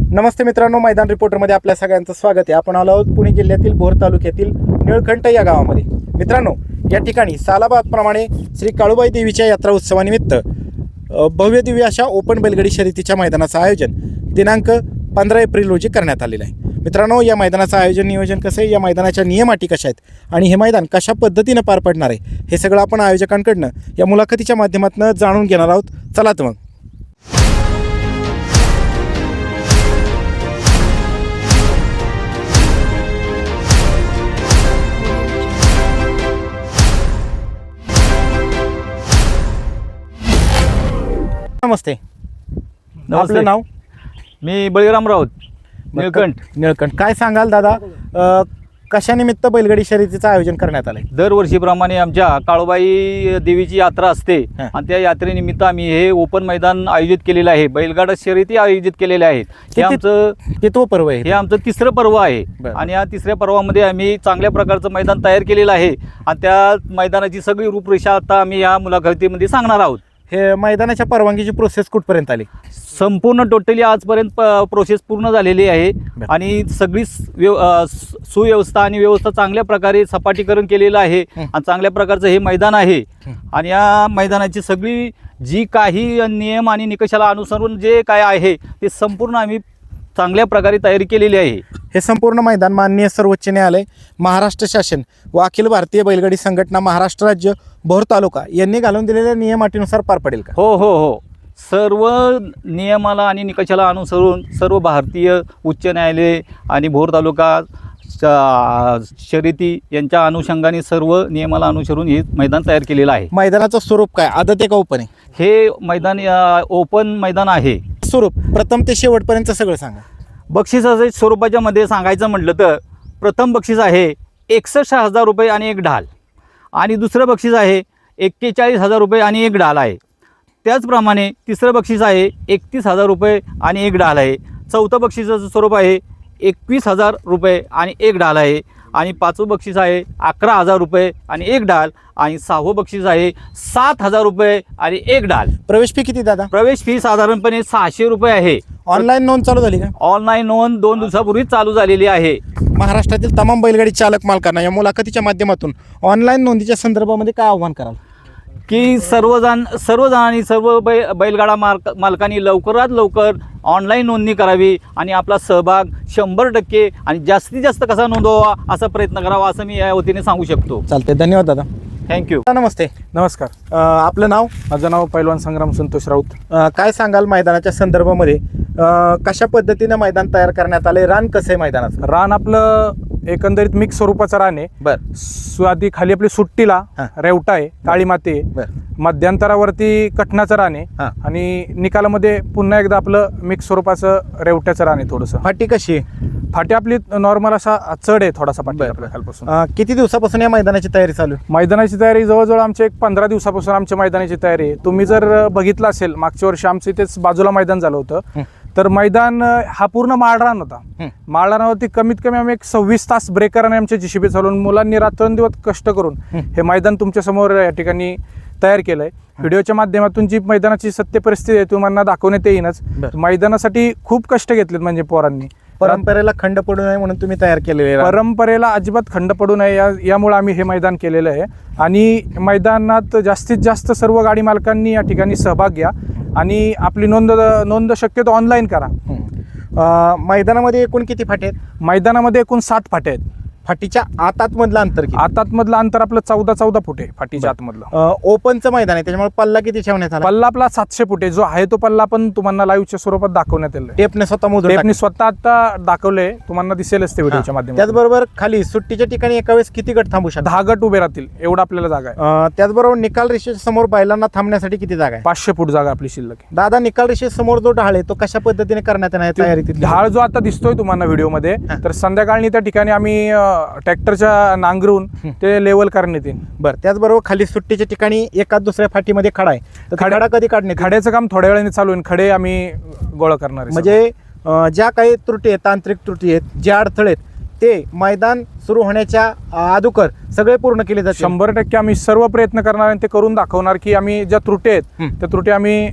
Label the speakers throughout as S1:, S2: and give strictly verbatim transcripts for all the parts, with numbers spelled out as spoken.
S1: नमस्ते मित्रांनो, मैदान रिपोर्टरमध्ये आपल्या सगळ्यांचं स्वागत आहे. आपण आलो आहोत पुणे जिल्ह्यातील भोर तालुक्यातील निळकंठ या गावामध्ये. मित्रांनो, या ठिकाणी सालाबादप्रमाणे श्री काळूबाई देवीच्या यात्रा उत्सवानिमित्त भव्य दिव्य अशा ओपन बैलगाडी शर्यतीच्या मैदानाचं आयोजन दिनांक पंधरा एप्रिल रोजी करण्यात आलेलं आहे. मित्रांनो, या मैदानाचं आयोजन नियोजन कसं आहे, या मैदानाच्या नियम अटी कशा आहेत आणि हे मैदान कशा पद्धतीनं पार पडणार आहे, हे सगळं आपण आयोजकांकडनं या मुलाखतीच्या माध्यमातून जाणून घेणार आहोत. चला तर मग. नमस्ते. आपलं नाव?
S2: मी बळीराम राऊत, निळकंठ.
S1: निळकंठ काय सांगाल दादा, अ, कशानिमित्त बैलगाडी शर्यतीचं आयोजन करण्यात आलंय?
S2: दरवर्षीप्रमाणे आमच्या काळूबाई देवीची यात्रा असते
S1: हा.
S2: आणि त्या यात्रेनिमित्त आम्ही हे ओपन मैदान आयोजित केलेलं आहे. बैलगाडा शर्यती आयोजित केलेल्या आहेत. हे
S1: किती-
S2: आमचं
S1: कितवं पर्व आहे?
S2: हे आमचं तिसरं पर्व आहे
S1: बरं.
S2: आणि या तिसऱ्या पर्वामध्ये आम्ही चांगल्या प्रकारचं मैदान तयार केलेलं आहे आणि त्या मैदानाची सगळी रूपरेषा आता आम्ही या मुलाखतीमध्ये सांगणार आहोत.
S1: हे मैदानाच्या परवानगीची प्रोसेस कुठपर्यंत आली?
S2: संपूर्ण टोटली आजपर्यंत प- प्रोसेस पूर्ण झालेली आहे
S1: बरं.
S2: आणि सगळी स- व्यव अ, स- सुव्यवस्था आणि व्यवस्था चांगल्या प्रकारे सपाटीकरण केलेलं आहे
S1: हं.
S2: आणि चांगल्या प्रकारचं हे मैदान आहे.
S1: हं.
S2: आणि या मैदानाची सगळी जी काही नियम आणि निकषाला अनुसरून जे काय आहे ते संपूर्ण आम्ही चांगल्या प्रकारे तयारी केलेली आहे.
S1: हे संपूर्ण मैदान माननीय सर्वोच्च न्यायालय, महाराष्ट्र शासन व अखिल भारतीय बैलगाडी संघटना महाराष्ट्र राज्य भोर तालुका यांनी घालून दिलेल्या नियम अटीनुसार पार पडेल का?
S2: हो हो हो सर्व नियमाला आणि निकषाला अनुसरून सर्व भारतीय उच्च न्यायालय आणि भोर तालुका श- शर्यती यांच्या अनुषंगाने सर्व नियमाला अनुसरून हे मैदान तयार केलेलं आहे.
S1: मैदानाचं स्वरूप काय, आदत आहे का ओपन आहे?
S2: हे मैदान अ, ओपन मैदान आहे.
S1: स्वरूप प्रथम ते शेवटपर्यंत सगळं सांगा.
S2: बक्षिसाच्या स्वरूपाच्या मध्ये सांगायचं म्हटलं तर प्रथम बक्षीस आहे एकसष्ट हजार रुपये आणि एक ढाल आणि दुसरं बक्षीस आहे एक्केचाळीस हजार रुपये आणि एक ढाल आहे. त्याचप्रमाणे तिसरं बक्षीस आहे एकतीस हजार रुपये आणि एक ढाल आहे. चौथं बक्षिसाचं स्वरूप आहे एकवीस हजार रुपये आणि एक ढाल आहे आणि पाचवं बक्षीस आहे अकरा हजार रुपये आणि एक ढाल आणि सहावं बक्षीस आहे सात हजार रुपये आणि एक ढाल.
S1: प्रवेश फी किती दादा?
S2: प्रवेश फी साधारणपणे सहाशे रुपये आहे.
S1: ऑनलाईन नोंद चालू झाली का?
S2: ऑनलाईन नोंद दोन दिवसापूर्वी चालू झालेली आहे.
S1: महाराष्ट्रातील तमाम बैलगाडी चालक मालकांना या मुलाखतीच्या माध्यमातून ऑनलाईन नोंदीच्या संदर्भामध्ये काय आव्हान कराल?
S2: की सर्वजण सर्वजणांनी सर्व बै बैलगाडा मालक मालकांनी लवकरात लवकर ऑनलाईन नोंदणी करावी आणि आपला सहभाग शंभर टक्के आणि जास्तीत जास्त कसा नोंदवावा असा प्रयत्न करावा असं मी या वतीने सांगू शकतो.
S1: चालते, धन्यवाद दादा.
S2: थँक्यू.
S1: नमस्ते.
S3: नमस्कार.
S1: अ, आपलं नाव?
S3: माझं नाव पैलवान संग्राम संतोष राऊत.
S1: अ, काय सांगाल मैदानाच्या संदर्भामध्ये, अ, कशा पद्धतीने मैदान तयार करण्यात आलंय? रान कसं आहे मैदानाचं?
S3: रान आपलं एकंदरीत मिक्स स्वरूपाचं रान आहे.
S1: बर
S3: सु- आधी खाली आपली सुट्टीला
S1: हा.
S3: रेवटा आहे, काळी माती आहे.
S1: बर
S3: मध्यंतरावरती कठणाचं रान आहे
S1: हा.
S3: आणि निकालामध्ये पुन्हा एकदा आपलं मिक्स स्वरूपाचं रेवट्याचं रान आहे. थोडंसं
S1: फाटी कशी आहे?
S3: फाटी आपली नॉर्मल असा चढ आहे थोडासा फाटी
S1: बर,
S3: आपल्या
S1: बर.
S3: खालपासून.
S1: अ, किती दिवसापासून या मैदानाची तयारी चालू आहे?
S3: मैदानाची तयारी जवळजवळ आमच्या एक पंधरा दिवसापासून आमच्या मैदानाची तयारी आहे. तुम्ही जर बघितलं असेल मागच्या वर्षी आमचं इथेच बाजूला मैदान झालं होतं.
S1: हं.
S3: तर मैदान अं, हा पूर्ण माळरान होता.
S1: हं.
S3: माळरानावरती कमीत कमी आम्ही एक सव्वीस तास ब्रेकराने आमच्या जीसीबी चालवून मुलांनी रात्रंदिवस कष्ट करून
S1: हं.
S3: हे मैदान तुमच्या समोर या ठिकाणी तयार केलंय. व्हिडिओच्या माध्यमातून जी मैदानाची सत्य परिस्थिती आहे तुम्हाला दाखवण्यात येईनच.
S1: बर.
S3: मैदानासाठी खूप कष्ट घेतलेत म्हणजे पोरांनी.
S1: परंपरेला खंड पडू नये म्हणून तुम्ही तयार केलेले रान.
S3: परंपरेला अजिबात खंड पडू नये या यामुळे आम्ही हे मैदान केलेलं आहे आणि मैदानात जास्तीत जास्त सर्व गाडी मालकांनी या ठिकाणी सहभाग घ्या आणि आपली नोंद नोंद शक्यतो ऑनलाईन करा.
S1: हं. अ, मैदानामध्ये एकूण किती फाटे आहेत?
S3: मैदानामध्ये एकूण सात फाटे आहेत.
S1: फाटीच्या आत आतमधलं अंतर किती?
S3: आतातमधलं अंतर आपलं चौदा चौदा फूट आहे फाटीच्या आतमधलं.
S1: अ, ओपनचं मैदान आहे त्याच्यामुळे पल्ला किती ठेवण्यात आला?
S3: पल्ला आपला सातशे फूट आहे. जो आहे तो पल्ला पण तुम्हाला लाईव्हच्या स्वरूपात दाखवण्यात आलेला आहे.
S1: टेपने स्वतः मोजून
S3: टेपनी
S1: टाकलं.
S3: स्वतः आता दाखवले, तुम्हाला दिसेलच ते व्हिडिओच्या
S1: हां.
S3: माध्यमातून.
S1: त्याचबरोबर खाली सुट्टीच्या ठिकाणी एका वेळेस किती गट थांबू शकतात?
S3: दहा गट उभे राहतील एवढा आपल्याला जागा आहे.
S1: अ, त्याचबरोबर निकाल रेषेच्या समोर बैलांना थांबण्यासाठी किती जागा आहे?
S3: पाचशे फूट जागा आपली शिल्लक आहे.
S1: दादा, निकाल रेषेच्या समोर जो ढाळ आहे तो कशा पद्धतीने करण्यात येणार आहे तयारी तिथली?
S3: ढाळ जो आता दिसतोय तुम्हाला व्हिडिओमध्ये,
S1: हां.
S3: तर संध्याकाळी त्या ठिकाणी आम्ही ट्रॅक्टरच्या नांगरून
S1: हं.
S3: ते लेवल करण्यात येईल.
S1: बरं, त्याचबरोबर खाली सुट्टीच्या ठिकाणी एका दुसऱ्या फाटीमध्ये खडा आहे, तर तो
S3: खडा-
S1: खडा कधी काढण्यात येईल?
S3: खड्याचं काम थोड्या वेळाने चालू आहे. खडे आम्ही गोळा करणार आहे.
S1: म्हणजे अ, ज्या काही त्रुटी आहेत, तांत्रिक त्रुटी आहेत, जे अडथळे आहेत ते मैदान सुरू होण्याच्या अगोदर सगळे पूर्ण केले जाते.
S3: शंभर टक्के आम्ही सर्व प्रयत्न करणार आणि ते करून दाखवणार की आम्ही ज्या त्रुटी आहेत
S1: हं.
S3: त्या त्रुटी आम्ही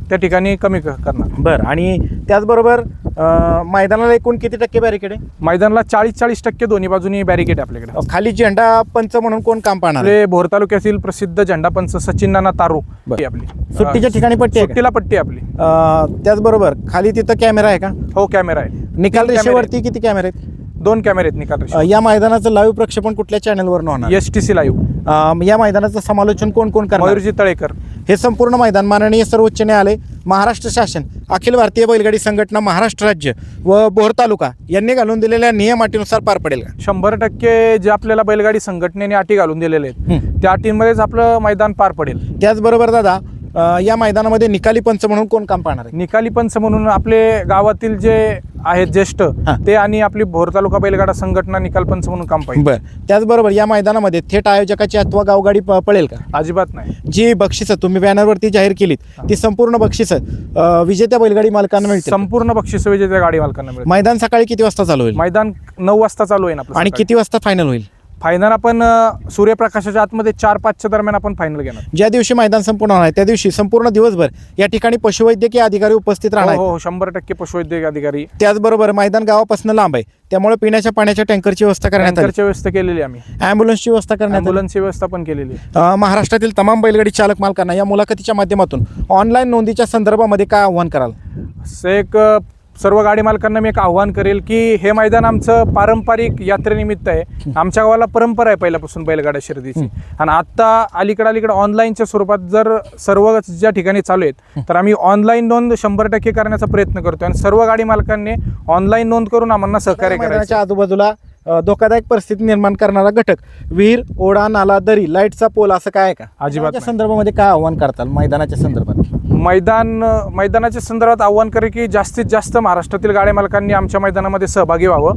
S3: त्या ठिकाणी कमी क- करणार.
S1: बरं, आणि त्याचबरोबर अं, मैदानाला एकूण किती टक्के बॅरिकेड आहे?
S3: मैदानाला चाळीस चाळीस टक्के दोन्ही बाजूनी बॅरिकेड आपल्याकडे.
S1: अं, खाली झेंडा पंच म्हणून कोण काम पाहणार आहे?
S3: आपले भोर तालुक्यातील प्रसिद्ध झेंडापंच सचिन नाना तारू
S1: बरं.
S3: ही आपली
S1: सुट्टीच्या ठिकाणी पट्टी आहे का?
S3: सुट्टीला पट्टी आहे आपली.
S1: अं, त्याचबरोबर खाली तिथं कॅमेरा आहे का?
S3: हो, कॅमेरा आहे.
S1: निकाल
S3: तीन कॅमेरे
S1: रेषेवरती किती कॅमेरे आहेत?
S3: दोन कॅमेरे आहेत निकाल
S1: अं, या मैदानाचं लाईव्ह प्रक्षेपण कुठल्या चॅनलवर होणार?
S3: S T C live.
S1: अं, या मैदानाचं समालोचन कोण कोण करणार?
S3: मयूरजी तळेकर.
S1: हे संपूर्ण मैदान माननीय सर्वोच्च न्यायालय, महाराष्ट्र शासन, अखिल भारतीय बैलगाडी संघटना महाराष्ट्र राज्य व बोर तालुका यांनी घालून दिलेल्या नियम अटीनुसार पार पडेल का?
S3: शंभर टक्के जे आपल्याला बैलगाडी संघटनेने अटी घालून दिलेले आहेत
S1: हं.
S3: त्या अटींमध्येच आपलं मैदान पार पडेल.
S1: त्याचबरोबर दादा, अं, या मैदानामध्ये निकाली पंच म्हणून कोण काम पाहणार आहे?
S3: निकाली पंच म्हणून आपले गावातील जे आहेत ज्येष्ठ
S1: हां.
S3: ते आणि आपली भोर तालुका बैलगाडा संघटना निकाल पंच म्हणून काम पाहिजे.
S1: बरं, त्याचबरोबर या मैदानामध्ये थेट आयोजकाची अथवा गावगाडी प- पळेल का?
S3: अजिबात नाही.
S1: जी बक्षिसं तुम्ही बॅनरवरती जाहीर केलीत ती संपूर्ण बक्षिसं अं, विजेत्या बैलगाडी मालकांना मिळतील?
S3: संपूर्ण बक्षीस विजेत्या गाडी मालकांना मिळेल.
S1: मैदान सकाळी किती वाजता चालू होईल
S3: मैदान नऊ वाजता चालू आहे ना आपलं
S1: आणि
S3: सकाळी.
S1: किती वाजता फायनल होईल?
S3: फायनल आपण अ, सूर्यप्रकाशाच्या आतमध्ये चार पाचच्या दरम्यान आपण फायनल घेणार.
S1: ज्या दिवशी मैदान संपूर्ण होणार आहे त्या दिवशी संपूर्ण दिवसभर या ठिकाणी पशुवैद्यकीय अधिकारी उपस्थित राहणार
S3: हो
S1: आहेत.
S3: हो, शंभर टक्के पशुवैद्यक अधिकारी
S1: त्याचबरोबर मैदान गावापासून लांब आहे, त्यामुळे पिण्याच्या पाण्याच्या टँकरची व्यवस्था करण्यात आली,
S3: टँकरची व्यवस्था केलेली आम्ही.
S1: ॲम्ब्युलन्सची व्यवस्था करण्यात आली.
S3: ॲम्ब्युलन्सची व्यवस्था पण केलेली आहे.
S1: अं, महाराष्ट्रातील तमाम बैलगाडी चालक मालकांना या मुलाखतीच्या माध्यमातून ऑनलाईन नोंदीच्या संदर्भामध्ये काय आव्हान कराल?
S3: असं एक अ, सर्व गाडी मालकांना मी एक आव्हान करेल की हे मैदान आमचं पारंपरिक यात्रेनिमित्त आहे. आमच्या गावाला परंपरा आहे पहिल्यापासून बैलगाड्या शर्यतीची, आणि आता अलीकडे अलीकडे ऑनलाईनच्या स्वरूपात जर सर्व ज्या ठिकाणी चालू आहेत तर आम्ही ऑनलाईन नोंद शंभर टक्के करण्याचा प्रयत्न करतोय, आणि सर्व गाडी मालकांनी ऑनलाइन नोंद करून आम्हाला सहकार्य करायचं.
S1: मैदानाच्या आजूबाजूला अं, धोकादायक परिस्थिती निर्माण करणारा घटक, विहीर, ओढा, नाला, दरी, लाईटचा पोल असं काय आहे का?
S3: अजिबात
S1: त्या
S3: नाही.
S1: संदर्भामध्ये काय आव्हान करताल मैदानाच्या संदर्भात?
S3: मैदान मैदानाच्या संदर्भात आव्हान करे की जास्तीत जास्त महाराष्ट्रातील गाड्या मालकांनी आमच्या मैदानामध्ये सहभागी व्हावं.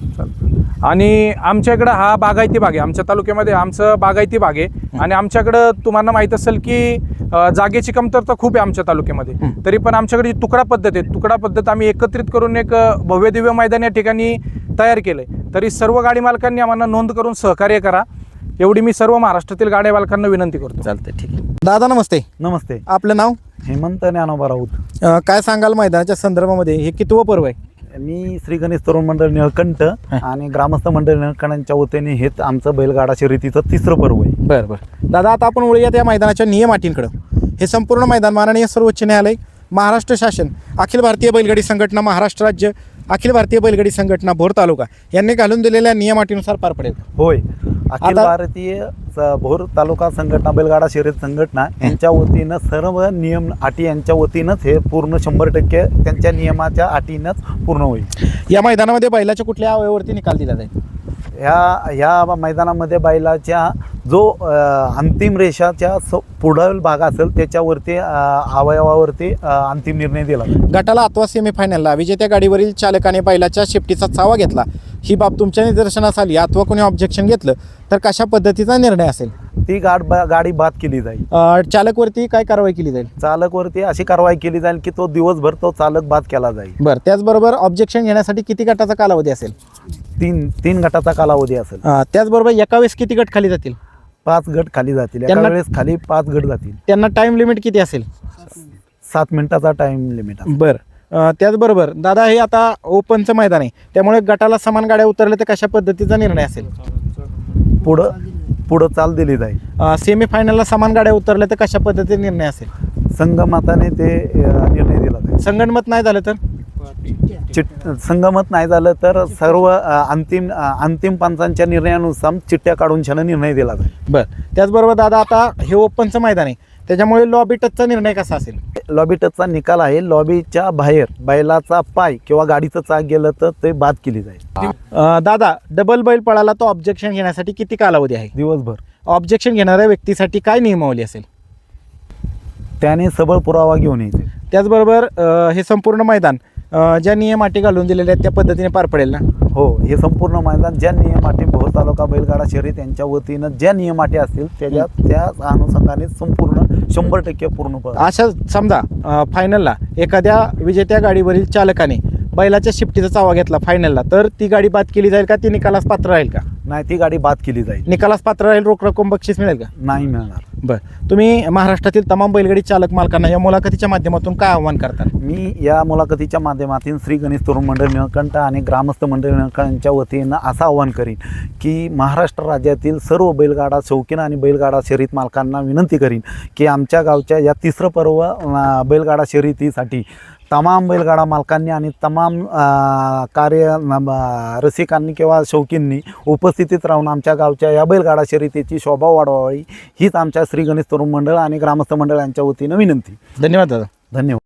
S3: आणि आमच्या इकडं हा बागायती भाग आहे, आमच्या तालुक्यामध्ये आमचं बागायती भाग आहे, आणि आमच्याकडं तुम्हाला माहीत असेल की अ, जागेची कमतरता खूप आहे आमच्या तालुक्यामध्ये. तरी पण आमच्याकडे जी तुकडा पद्धत आहे, तुकडा पद्धत आम्ही एकत्रित करून एक अ, भव्य दिव्य मैदान या ठिकाणी तयार केलं आहे. तरी सर्व गाडी मालकांनी आम्हाला नोंद करून सहकार्य करा, एवढी मी सर्व महाराष्ट्रातील गाड्या मालकांना विनंती करतो.
S1: चालतंय, ठीक आहे. दादा नमस्ते,
S4: नमस्ते.
S1: आपलं नाव?
S4: हेमंत ज्ञानोबा राऊत.
S1: अं, काय सांगाल मैदानाच्या संदर्भामध्ये? हे कितवं पर्व आहे?
S4: मी श्री गणेश तरुण मंडळ निळकंठ आणि ग्रामस्थ मंडळ निळकंठांच्या वतीने हेच आमचं बैलगाडा शर्यतीचं तिसरं पर्व आहे.
S1: बरं बरं दादा, आता आपण वळूया त्या मैदानाच्या नियम अटींकडं. हे संपूर्ण मैदान माननीय सर्वोच्च न्यायालय, महाराष्ट्र शासन, अखिल भारतीय बैलगाडी संघटना महाराष्ट्र राज्य, अखिल भारतीय बैलगाडी संघटना भोर तालुका यांनी घालून दिलेल्या नियम अटीनुसार पार पडेल?
S4: होय. अखिल
S1: आता-
S4: भारतीय स- भोर तालुका संघटना बैलगाडा शर्यत संघटना यांच्या वतीनं सर्व नियम अटी यांच्या वतीनंच हे पूर्ण शंभर टक्के त्यांच्या नियमाच्या अटीनंच पूर्ण होईल.
S1: या मैदानामध्ये बैलाच्या कुठल्या अवयवावरती निकाल दिला जाईल?
S4: ह्या ह्या मैदानामध्ये बैलाच्या जो अ, अंतिम रेषाच्या स पुढील भाग असेल त्याच्यावरती अ, अवयवावरती अ, अंतिम निर्णय दिला जाईल.
S1: गटाला अथवा सेमीफायनलला विजेत्या गाडीवरील चालकाने बैलाच्या शेपटीचा चावा घेतला, ही बाब तुमच्या निदर्शनास आली अथवा कोणी ऑब्जेक्शन घेतलं तर कशा पद्धतीचा निर्णय असेल?
S4: ती गाड बा- गाडी बाद केली जाईल.
S1: अं, चालकवरती काय कारवाई केली जाईल?
S4: चालकवरती अशी कारवाई केली जाईल की तो दिवसभर तो चालक बाद केला जाईल.
S1: बरं, त्याचबरोबर ऑब्जेक्शन घेण्यासाठी किती गटाचा कालावधी असेल?
S4: तीन तीन गटाचा कालावधी असेल.
S1: अं, त्याचबरोबर एका वेळेस किती गट खाली जातील?
S4: पाच गट खाली जातील. एका
S1: त्यांना-
S4: वेळेस खाली पाच गट जातील.
S1: त्यांना टाइम लिमिट किती असेल?
S4: सात मिनिटाचा टाइम लिमिट असेल.
S1: बरं, अं, त्याचबरोबर दादा, हे आता ओपनचं मैदान आहे, त्यामुळे गटाला समान गाड्या उतरल्या तर कशा पद्धतीचा निर्णय असेल?
S4: पुढं पुढं चाल दिली जाईल.
S1: सेमीफायनलला समान गाड्या उतरल्या तर कशा पद्धतीचा निर्णय असेल?
S4: संगमताने ते अ, निर्णय दिला जाईल.
S1: संगणमत नाही झालं तर?
S4: चिट संगमत नाही झालं तर सर्व अ, अंतिम अ, अंतिम पंचांच्या निर्णयानुसार चिठ्ठ्या काढून छान निर्णय दिला जाईल.
S1: बरं, त्याचबरोबर दादा, आता हे ओपनचं मैदान आहे, त्याच्यामुळे लॉबी टचचा निर्णय कसा असेल?
S4: लॉबी टचचा निकाल आहे, लॉबीच्या बाहेर बैलाचा पाय किंवा गाडीचं चाक गेलं तर ते बाद केली जाईल.
S1: अं, दादा, डबल बैल पळाला तो ऑब्जेक्शन घेण्यासाठी किती कालावधी आहे?
S4: दिवसभर.
S1: ऑब्जेक्शन घेणाऱ्या व्यक्तीसाठी काय नियमावली असेल?
S4: त्याने सबळ पुरावा घेऊन यायचे.
S1: त्याचबरोबर अं, हे संपूर्ण मैदान अं, ज्या नियम अटी घालून दिलेल्या आहेत त्या पद्धतीने पार पडेल ना?
S4: हो, हे संपूर्ण मैदान ज्या नियम अटी भोर तालुका बैलगाडा शर्यत यांच्या वतीनं ज्या नियम अटी असतील त्याच्या त्या अनुषंगाने संपूर्ण शंभर टक्के पूर्ण प-
S1: अशा समजा अं, फायनलला एखाद्या विजेत्या गाडीवरील चालकाने बैलाच्या शिफ्टीचा चावा घेतला फायनलला, तर ती गाडी बाद केली जाईल का? ती निकालास पात्र राहील का?
S4: नाही ती गाडी बाद केली जाईल,
S1: निकालास पात्र राहील, रोख रक्कम बक्षीस मिळेल का?
S4: नाही मिळणार.
S1: बरं, तुम्ही महाराष्ट्रातील तमाम बैलगाडी चालक मालकांना या मुलाखतीच्या माध्यमातून काय आव्हान करता?
S4: मी या मुलाखतीच्या माध्यमातून श्री गणेश तरुण मंडळ निळकंठ आणि ग्रामस्थ मंडळ निळकंठच्या वतीनं असं आवाहन करीन की महाराष्ट्र राज्यातील सर्व बैलगाडा शौकीन आणि बैलगाडा शर्यत मालकांना विनंती करीन की आमच्या गावच्या या तिसरं पर्व अं, बैलगाडा शर्यतीसाठी तमाम बैलगाडा मालकांनी आणि तमाम अं, कार्य न- अं, रसिकांनी किंवा शौकींनी उपस्थितीत राहून आमच्या गावच्या या बैलगाडा शर्यतीची शोभा वाढवावी हीच आमच्या श्री गणेश तरुण मंडळ आणि ग्रामस्थ मंडळ यांच्या वतीनं विनंती.
S1: धन्यवाद दादा.
S4: धन्यवाद.